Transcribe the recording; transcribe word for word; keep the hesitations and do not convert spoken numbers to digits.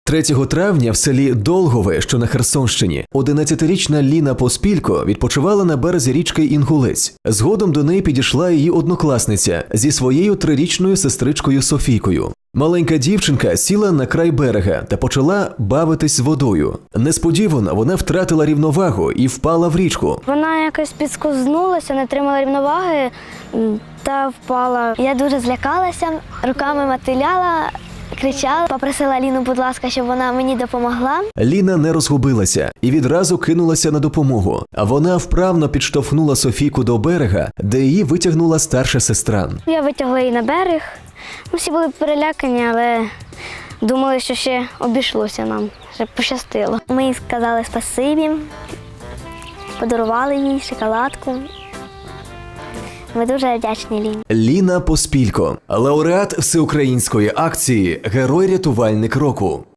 третього травня в селі Долгове, що на Херсонщині, одинадцятирічна Ліна Поспілько відпочивала на березі річки Інгулець. Згодом до неї підійшла її однокласниця зі своєю трирічною сестричкою Софійкою. Маленька дівчинка сіла на край берега та почала бавитись з водою. Несподівано вона втратила рівновагу і впала в річку. Вона якось підскознулася, не тримала рівноваги та впала. Я дуже злякалася, руками мотиляла, кричала, попросила Ліну, будь ласка, щоб вона мені допомогла. Ліна не розгубилася і відразу кинулася на допомогу. А вона вправно підштовхнула Софійку до берега, де її витягнула старша сестра. Я витягла її на берег. Ми всі були перелякані, але думали, що ще обійшлося нам, що пощастило. Ми їй сказали спасибі, подарували їй шоколадку. Ми дуже вдячні Ліні. Ліна Поспілько – лауреат всеукраїнської акції «Герой-рятувальник року».